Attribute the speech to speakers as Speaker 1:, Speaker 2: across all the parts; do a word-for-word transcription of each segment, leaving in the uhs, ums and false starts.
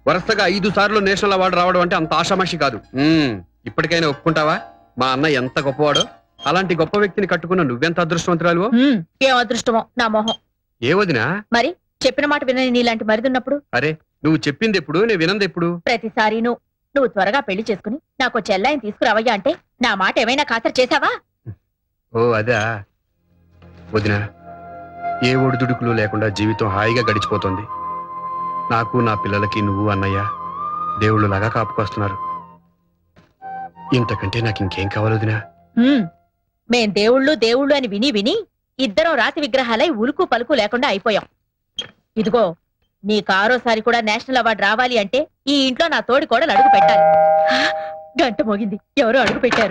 Speaker 1: వరుసగా ఐదు సార్లు నేషనల్ అవార్డు రావడం అంటే అంత ఆషామాషి కాదు. ఉమ్, ఇప్పటికైనా ఒప్పుకుంటావా మా అన్న ఎంత గొప్పవాడో? అలాంటి గొప్ప వ్యక్తిని కట్టుకున్న నువ్వెంత అదృష్టవంతురాలు.
Speaker 2: ఏం అదృష్టమో నా మొహం.
Speaker 1: ఏ వదినా?
Speaker 2: మరి చెప్పిన మాట వినని నీలాంటి మరిదున్నప్పుడు.
Speaker 1: అరే నువ్వు చెప్పింది ఎప్పుడు, నేను వినంది ఎప్పుడు?
Speaker 2: ప్రతిసారి నువ్వు నువ్వు త్వరగా పెళ్లి చేసుకుని నాకు చెల్లాయిని తీసుకురావయ్యా అంటే నా మాట ఏమైనా ఖాతరు చేశావా?
Speaker 1: ఓ అదా వదినా, ఏ ఒడిదుడుకులు లేకుండా జీవితం హాయిగా గడిచిపోతుంది. నాకు నా పిల్లలకి నువ్వు అన్నయ్య దేవుళ్ళు లాగా కాపుకొస్తున్నారు. ఇంతకంటే నాకు ఇంకేం కావాలి వదినా?
Speaker 2: హ్మ్. మేం దేవుళ్ళు దేవుళ్ళు అని విని విని ఇద్దరం రాతి విగ్రహాలై ఉలుకు పలుకు లేకుండా అయిపోయాం. ఇదిగో నీకు ఆరోసారి కూడా నేషనల్ అవార్డు రావాలి అంటే ఈ ఇంట్లో నా తోడి కోడలు అడుగు పెట్టాలి. గంట మోగింది, ఎవరో అడుగు పెట్టారు.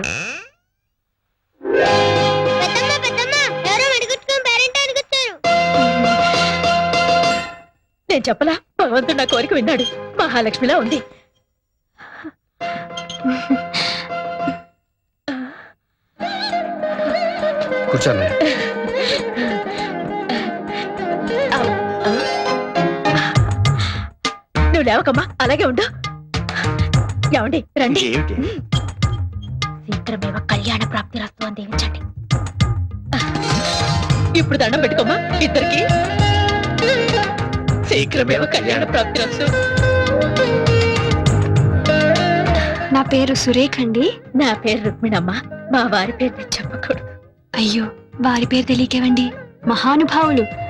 Speaker 2: నేను చెప్పలా, భగవంతుడు నా కోరిక విన్నాడు. మహాలక్ష్మిలా ఉంది.
Speaker 1: కూర్చోన్నా.
Speaker 2: నువ్వు లేవకమ్మా, అలాగే ఉండు. ఏమండి రండి. శీఘ్రమేవ కళ్యాణ ప్రాప్తి రస్తు అని దీవించండి. ఇప్పుడు దండం పెట్టుకోమ్మా ఇద్దరికి. శీఘ్రమేవ కళ్యాణ ప్రాప్తి రస్తు.
Speaker 3: నా పేరు సురేఖ అండి.
Speaker 2: నా పేరు రుక్మిణమ్మ. మా వారి పేరు చెప్పకూడదు.
Speaker 3: అయ్యో, వారి పేరు తెలియకేవండి, మహానుభావులు.